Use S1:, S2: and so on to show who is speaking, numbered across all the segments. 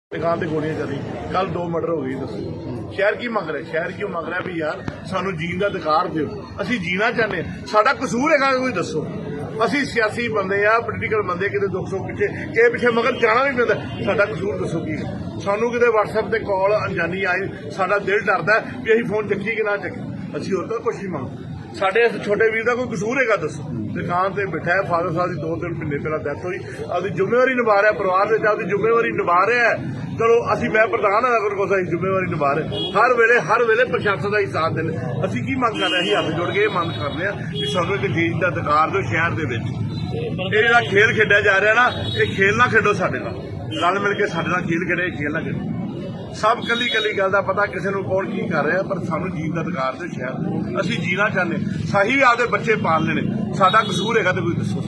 S1: दुकान से गोलियां चली कल 2 मर्डर हो गई। दसो शहर की मंग रहा, शहर क्यों मंग रहा भी यार सानू जीण का अधिकार दो, असीं जीना चाहते हैं, साडा कसूर है कोई दसो। असीं सियासी बंदे आ, पोलीटिकल बंदे, किते दुख सुख पिछे के पिछे मगर जाना भी पैंदा, साडा कसूर दसो की है। सानू किते WhatsApp ते कॉल अनजानी आई, साडा दिल डरदा भी असीं फोन चक्की कि ना चक्की, असीं होर तां कुछ नहीं मंगदे। साडे इस छोटे वीर का कोई कसूर है दसो। दुकान से बैठा है, फादर साहब की 2-3 महीने पहला डेथ हुई, अपनी जिम्मेवारी निभा रहा है, परिवार में अपनी जिम्मेवारी निभा रहा है। चलो असी मैं प्रधान है, अगर कोई जिम्मेवारी निभा रहे हर वेले प्रशासन का ही साथ देने। असी की मंग कर रहे हैं, हाथ जोड़ के ये मंग कर रहे हैं कि सानू एक जीत का अधिकार दो शहर के विच। ये जिहड़ा खेल खेडिया जा रहा ना, ये खेल ना खेडो साडे नाल, रल मिल के साडे नाल खेल खेडे, खेल ना खेडो। सब कली कली गल का पता किसी को कौन की कर रहा, पर सानू जीत का अधिकार दो शहर, असी जीना चाहते, सही आपदे बच्चे पालने ने, साडा कसूर है तो कोई दसो।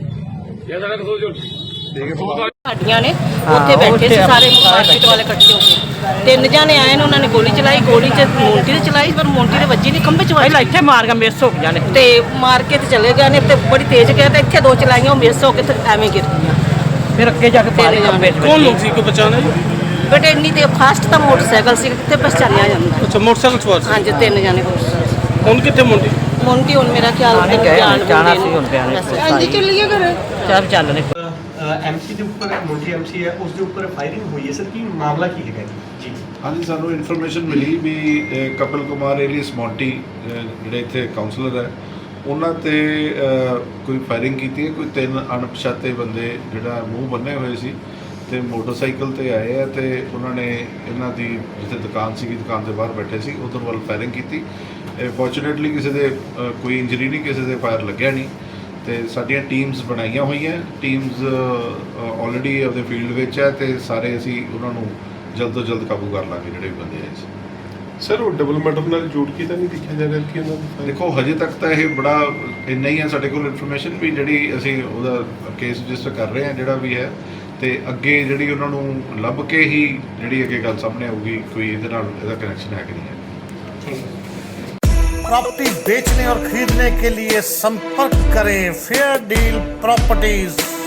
S2: ਸਾਡੀਆਂ ਨੇ ਉੱਥੇ ਬੈਠੇ ਸੀ ਸਾਰੇ ਮਾਰਕੀਟ ਵਾਲੇ ਇਕੱਠੇ ਹੋ ਕੇ, 3 ਜਾਣੇ ਆਏ ਨੇ, ਉਹਨਾਂ ਨੇ ਗੋਲੀ ਚਲਾਈ, ਗੋਲੀ ਚ ਮੋਂਟੀ ਦੇ ਚਲਾਈ ਪਰ ਮੋਂਟੀ ਦੇ ਵੱਜੀ ਨਹੀਂ, ਖੰਭੇ ਚ ਵੱਜੀ, ਪਹਿਲਾਂ ਇੱਥੇ ਮਾਰ ਕੇ ਮਿਸ ਹੋ ਗਈਆਂ ਨੇ ਤੇ ਮਾਰ ਕੇ ਤੇ ਚਲੇ ਗਏ ਨੇ ਤੇ ਬੜੀ ਤੇਜ਼ ਗਏ ਤੇ ਇੱਥੇ 2 ਚਲਾਈਆਂ, ਉਹ ਮਿਸ ਹੋ ਕੇ ਤੇ ਐਵੇਂ ਗਿਰ ਗਈਆਂ। ਫਿਰ ਅੱਗੇ ਜਾ ਕੇ ਪਾਰੇ ਖੰਭੇ ਚ
S3: ਕੌਣ ਲੋਕ ਸੀ ਕੋਈ ਪਛਾਣਿਆ ਜੀ?
S2: ਬਟ ਇੰਨੀ ਤੇ ਫਾਸਟ ਤਾਂ ਮੋਟਰਸਾਈਕਲ ਸੀ, ਕਿੱਥੇ ਪਛਾਣਿਆ ਜਾਂਦਾ।
S3: ਅੱਛਾ ਮੋਟਰਸਾਈਕਲ ਸਵਾਰ ਸੀ।
S2: ਹਾਂਜੀ 3 ਜਾਣੇ ਮੋਟਰਸਾਈਕਲ।
S3: ਹੁਣ ਕਿੱਥੇ ਮੁੰਡੀ?
S2: ਮੋਂਟੀ ਹੁਣ ਮੇਰਾ ਖਿਆਲ
S4: ਜਾਣਾ ਸੀ ਹੁਣ ਪਿਆਰੇ
S2: ਹਾਂਜੀ ਚੱਲੀਏ ਘਰੇ
S4: ਚੱਲ ਨੇ
S5: ਐਮਸੀ ਦੇ ਉੱਪਰ ਮੁੰਡੀ ਐਮਸੀ ਹੈ, ਉਸ ਦੇ ਉੱਪਰ ਫਾਇਰਿੰਗ ਹੋਈ ਹੈ ਸਰ, ਕੀ ਮਾਮਲਾ ਕੀ ਹੈਗਾ ਜੀ?
S6: ਹਾਂਜੀ, ਸਾਨੂੰ ਇਨਫੋਰਮੇਸ਼ਨ ਮਿਲੀ ਵੀ ਕਪਿਲ ਕੁਮਾਰ ਏਲੀਅਸ ਮੌਂਟੀ ਜਿਹੜੇ ਇੱਥੇ ਕਾਉਂਸਲਰ ਹੈ, ਉਹਨਾਂ ਤੇ ਕੋਈ ਫਾਇਰਿੰਗ ਕੀਤੀ ਹੈ। ਕੋਈ 3 ਅਣਪਛਾਤੇ ਬੰਦੇ ਜਿਹੜਾ ਮੂੰਹ ਬੰਨੇ ਹੋਏ ਸੀ ਤੇ ਮੋਟਰਸਾਈਕਲ ਤੇ ਆਏ ਆ ਤੇ ਉਹਨਾਂ ਨੇ ਇਹਨਾਂ ਦੀ ਜਿੱਥੇ ਦੁਕਾਨ ਸੀਗੀ, ਦੁਕਾਨ ਦੇ ਬਾਹਰ ਬੈਠੇ ਸੀ, ਉਧਰ ਵੱਲ ਫਾਇਰਿੰਗ ਕੀਤੀ। ਫੋਰਚੂਨੇਟਲੀ ਕਿਸੇ ਦੇ ਕੋਈ ਇੰਜਰੀ ਨਹੀਂ, ਕਿਸੇ ਦੇ ਫਾਇਰ ਲੱਗਿਆ ਨਹੀਂ ਤੇ ਸਾਡੀਆਂ ਟੀਮਸ ਬਣਾਈਆਂ ਹੋਈਆਂ, ਟੀਮਸ ਆਲਰੇਡੀ ਉਹਦੇ ਫੀਲਡ ਵਿੱਚ ਹੈ ਤੇ ਸਾਰੇ ਅਸੀਂ ਉਹਨਾਂ ਨੂੰ ਜਲਦ ਤੋਂ ਜਲਦ ਕਾਬੂ ਕਰ ਲਾਂਗੇ ਜਿਹੜੇ ਵੀ ਬੰਦੇ ਆਏ ਸੀ।
S7: ਸਰ ਉਹ ਡਬਲ ਮਰਡਰ ਨਾਲ ਜੋੜ ਕੇ ਤਾਂ ਨਹੀਂ ਦੇਖਿਆ ਜਾ ਰਿਹਾ ਕਿ ਉਹਨਾਂ ਦਾ?
S6: ਦੇਖੋ ਹਜੇ ਤੱਕ ਤਾਂ ਇਹ ਬੜਾ ਇੰਨਾ ਹੀ ਹੈ ਸਾਡੇ ਕੋਲ ਇਨਫੋਰਮੇਸ਼ਨ ਵੀ ਜਿਹੜੀ ਅਸੀਂ ਉਹਦਾ ਕੇਸ ਰਜਿਸਟਰ ਕਰ ਰਹੇ ਹਾਂ ਜਿਹੜਾ ਵੀ ਹੈ, ਤੇ ਅੱਗੇ ਜਿਹੜੀ ਉਹਨਾਂ ਨੂੰ ਲੱਭ ਕੇ ਹੀ ਜਿਹੜੀ ਅੱਗੇ ਗੱਲ ਸਾਹਮਣੇ ਆਊਗੀ ਕੋਈ ਇਹਦੇ ਨਾਲ ਇਹਦਾ ਕਨੈਕਸ਼ਨ ਹੈ ਕਿ ਨਹੀਂ ਹੈ।
S8: प्रॉपर्टी बेचने और खरीदने के लिए संपर्क करें फेयर डील प्रॉपर्टीज।